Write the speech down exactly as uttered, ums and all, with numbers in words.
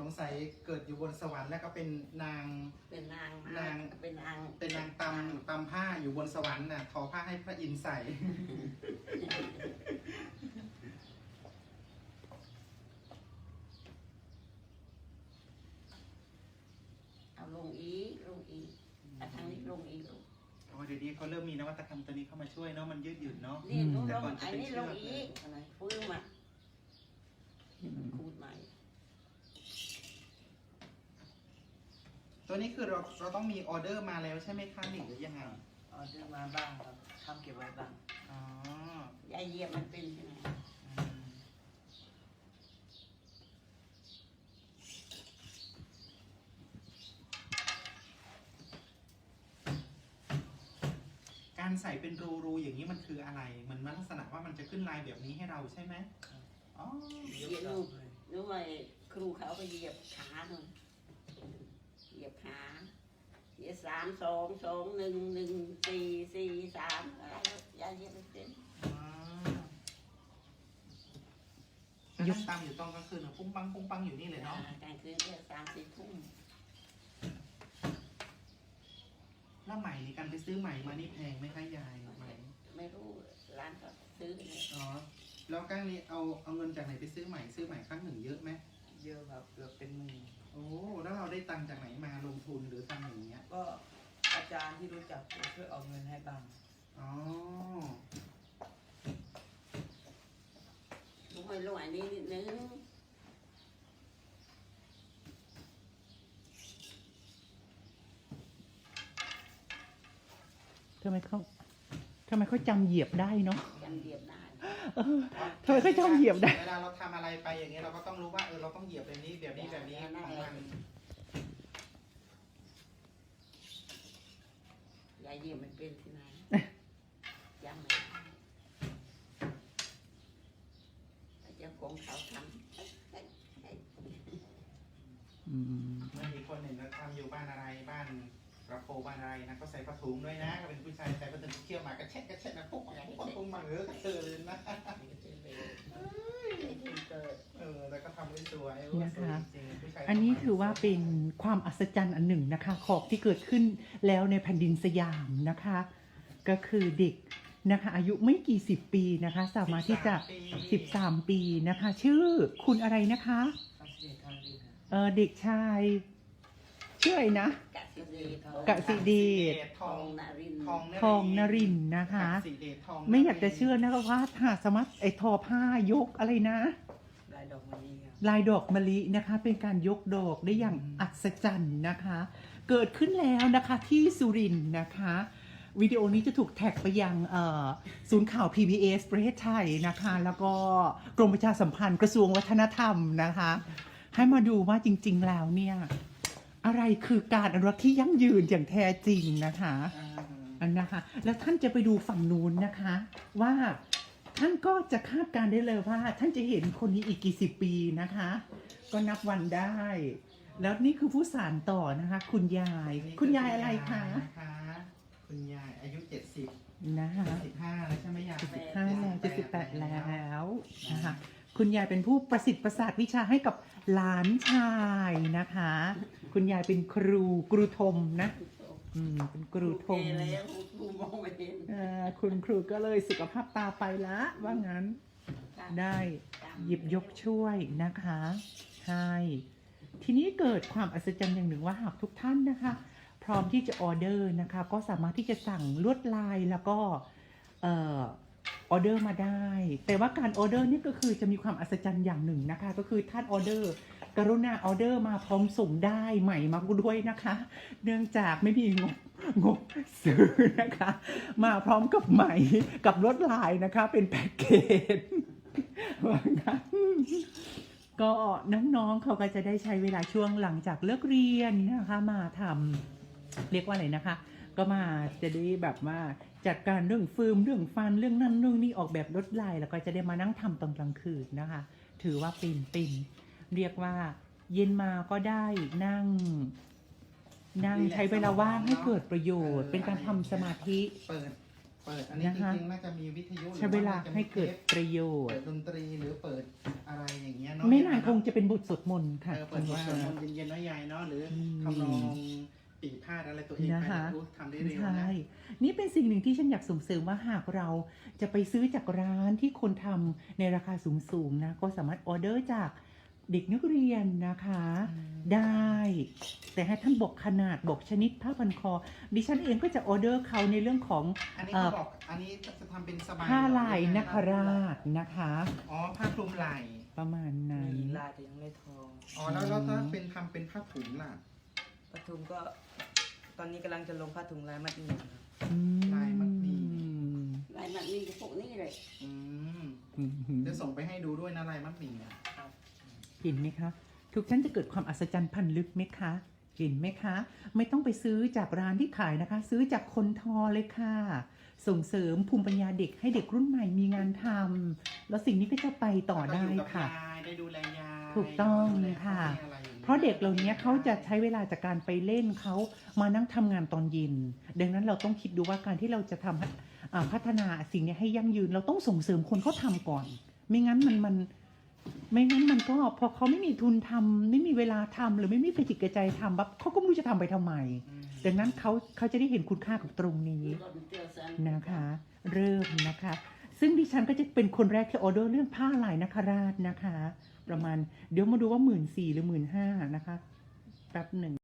งสัยเกิดอยู่บนสวรรค์แล้วก็เป็นนางเป็นนางนางเป็นนางเป็นนางตำตำผ้าอยู่บนสวรรค์น่ะทอผ้าให้พระอินทร์ใส่เอาลงอีกลงอีกทางนี้ลงอีกลงโอ้เดี๋ยวนี้เขาเริ่มมีนวัตกรรมตัวนี้เข้ามาช่วยเนาะมันยืดหยุ่นเนาะนี่ลงลงอันนี้ลงอีกอะไรฟื้นมาคูดใหม่ตัวนี้คือเราเราต้องมีออเดอร์มาแล้วใช่ไหมคะหรือยังไงออเดอร์มาบ้างครับทำเก็บไว้บ้างอ๋อยายเหยียบมันเป็นยังไงการใส่เป็นรูรูอย่างนี้มันคืออะไรเหมือนมันลักษณะว่ามันจะขึ้นลายแบบนี้ให้เราใช่ไหมอ๋อเหยียบลูกด้วยครูเขาไปเหยียบขาหน่อยเหยียบขาเหยียบสามสองสองหนึ่งหนึ่งสี่สี่สามอะไรยายเหยียบเป็นยุบตามอยู่ตอนกลางคืนปุ้งปังปุ้งปังอยู่นี่เลยเนาะกลางคืนเนี่ยสามสี่ทุ่มแล้วใหม่ในการไปซื้อใหม่มานี่แพงไหมคะยายใหม่ไม่รู้ร้านก็ซื้อเนี่ยอ๋อแล้วก้างนี้เอาเอาเงินจากไหนไปซื้อใหม่ซื้อใหม่ครั้งหนึ่งเยอะไหมเยอะครับเกือบเป็นหมื่นโอ้แล้วเราได้ตังค์จากไหนมาลงทุนหรือทำอย่างเงี้ยก็อาจารย์ที่รู้จักช่วยเอาเงินให้บ้างอ๋อลงไปลงอันนี้นิดนึงทำไมเขาทำไมเขาจำเหยียบได้เนาะจำเหยียบได้ทำไมเขาจำเหยียบได้เวลาเราทำอะไรไปอย่างเงี้ยเราก็ต้องรู้ว่าเออเราต้องเหยียบแบบนี้แบบนี้แบบนี้ของมันยายเหยียบมันเป็นที่ไหนยังไม่เจ้าของเขาทำเมื่ออีกคนหนึ่งเราทำอยู่บ้านอะไรบ้านกระโปรงบ้านอะไรนะก็ใส่ผ้าถุงด้วยนะก็เป็นผู้ชายใส่ผ้าถุงเที่ยวมากระเช็ดกระเช็ดนะปุ๊บปุ๊บปุ๊บมาเออกระเตือเลยนะเออแล้วก็ทำได้สวยนะคะอันนี้ถือว่าเป็นความอัศจรรย์อันหนึ่งนะคะของที่เกิดขึ้นแล้วในแผ่นดินสยามนะคะก็คือเด็กนะคะอายุไม่กี่สิบปีนะคะสามารถที่จะสิบสามปีนะคะชื่อคุณอะไรนะคะเออเด็กชายชื่ออะไรนะกสิเดชทองนรินทองนรินนะคะไม่อยากจะเชื่อนะคะว่าถ้าสามารถไอทอผ้ายกอะไรนะลายดอกมะลิลายดอกมะลินะคะเป็นการยกดอกได้อย่างอัศจรรย์นะคะเกิดขึ้นแล้วนะคะที่สุรินทร์นะคะวิดีโอนี้จะถูกแท็กไปยังศูนย์ข่าว พี บี เอส ประเทศไทยนะคะแล้วก็กรมประชาสัมพันธ์กระทรวงวัฒนธรรมนะคะให้มาดูว่าจริงๆแล้วเนี่ยอะไรคือการอนุรักษ์ที่ยั่งยืนอย่างแท้จริงนะคะอันนะคะแล้วท่านจะไปดูฝั่งนู้นนะคะว่าท่านก็จะคาดการได้เลยว่าท่านจะเห็นคนนี้อีกกี่สิบปีนะคะก็นับวันได้แล้วนี่คือผู้สานต่อนะคะคุณยายคุณยายอะไรคะคุณยายอายุเจ็ดสิบนะคะสิบห้าแล้วใช่ไหมยายสิบห้าแล้วจะสิบแปดแล้วนะคะคุณยายเป็นผู้ประสิทธิ์ประสาทวิชาให้กับหลานชายนะคะคุณยายเป็นครูครูทมนะอืมเป็นครูทมแล้วครูมองไม่เห็นอ่าคุณครูก็เลยสุขภาพตาไปละว่างั้นได้หยิบยกช่วยนะคะใช่ทีนี้เกิดความอัศจรรย์อย่างหนึ่งว่าหากทุกท่านนะคะพร้อมที่จะออเดอร์นะคะก็สามารถที่จะสั่งลวดลายแล้วก็เอ่อออเดอร์มาได้แต่ว่าการออเดอร์นี่ก็คือจะมีความอัศจรรย์อย่างหนึ่งนะคะก็คือท่านออเดอร์กรุณาออเดอร์มาพร้อมส่งได้ใหม่มาด้วยนะคะเนื่องจากไม่มีงบงบซื้อนะคะมาพร้อมกับใหม่กับลวดลายนะคะเป็นแพ็กเกจว่างั้นก็น้องๆเขาก็จะได้ใช้เวลาช่วงหลังจากเลิกเรียนนะคะมาทำเรียกว่าอะไรนะคะก็มาจะได้แบบว่าจัดการเรื่องฟิล์มเรื่องฟันเรื่องนั่นเรื่องนี้ออกแบบลวดลายแล้วก็จะได้มานั่งทำตอนกลางคืนนะคะถือว่าเป็นเป็นเรียกว่าเย็นมาก็ได้นั่งนั่งใช้เวลาว่างให้เกิดประโยชน์เป็นการทำสมาธิเปิดเปิดอันนี้นะจคะริงๆน่าจะมีวิทยุใช้เวลาให้เกิดประโยชเปิน์ดดนตรีหรือเปิดอะไรอย่างเงี้ยเนาะไม่นานคงจะเป็นบทสวดมนต์ค่ะเออเปิดบทสวดมนต์เย็นๆน้อยใหญ่เนาะหรืออมทำนองปีพาดอะไรตัวเองไปนะคะนะรู้ทำได้เร็วใช่นะนี่เป็นสิ่งหนึ่งที่ฉันอยากส่งเสริมว่าหากเราจะไปซื้อจากร้านที่คนทำในราคาสูงๆนะก็สามารถออเดอร์จากเด็กนักเรียนนะคะ ได้ แต่ให้ท่านบอกขนาดบอกชนิดผ้าพันคอ ดิฉันเองก็จะออเดอร์เขาในเรื่องของอันนี้เขาบอกอันนี้จะทำเป็นสบายผ้าเหรอลายหรือไงนคราชนะคะอ๋อผ้าคลุมไหล่ประมาณนั้นมีลายแต่ยังไม่ทองอ๋อแล้วแล้วถ้าเป็นทำเป็นผ้าถุงล่ะปทุมก็ตอนนี้กำลังจะลงผ้าถุงลายมัดหมี่ครับอืมลายมัดหมี่ลายมันมีพวกนี้เลยอืมอืมจะส่งไปให้ดูด้วยนะลายมัดหมี่อ่ะเห็นไหมคะ ทุกท่านจะเกิดความอัศจรรย์พันลึกไหมคะ เห็นไหมคะ ไม่ต้องไปซื้อจากร้านที่ขายนะคะ ซื้อจากคนทอเลยค่ะ ส่งเสริมภูมิปัญญาเด็กให้เด็กรุ่นใหม่มีงานทำแล้วสิ่งนี้ก็จะไปต่อได้ค่ะก็อยู่กับยายได้ดูแลยายถูกต้องดูแลค่ะพ่อแม่อะไรอย่างงี้ยเพราะเด็กเหล่านี้เขาจะใช้เวลาจากการไปเล่นเขามานั่งทำงานตอนเย็น ดังนั้นเราต้องคิดดูว่าการที่เราจะทำให้อ่าพัฒนาสิ่งนี้ให้ยั่งยืน เราต้องส่งเสริมคนเขาทำก่อน ไม่งั้นมันมัน ไม่งั้นมันก็พอเขาไม่มีทุนทำไม่มีเวลาทำหรือไม่มีกระจิตกระใจทำปั๊บเขาก็ไม่รู้จะทำไปทำไมอืมดังนั้นเขาเขาจะได้เห็นคุณค่ากับตรงนี้ นะคะ เริ่มนะคะ ซึ่งดิฉันก็จะเป็นคนแรกที่ออเดอร์เรื่องผ้าลายนคราชนะคะ ประมาณเดี๋ยวมาดูว่าหมื่นสี่หรือหมื่นห้านะคะแป๊บหนึ่ง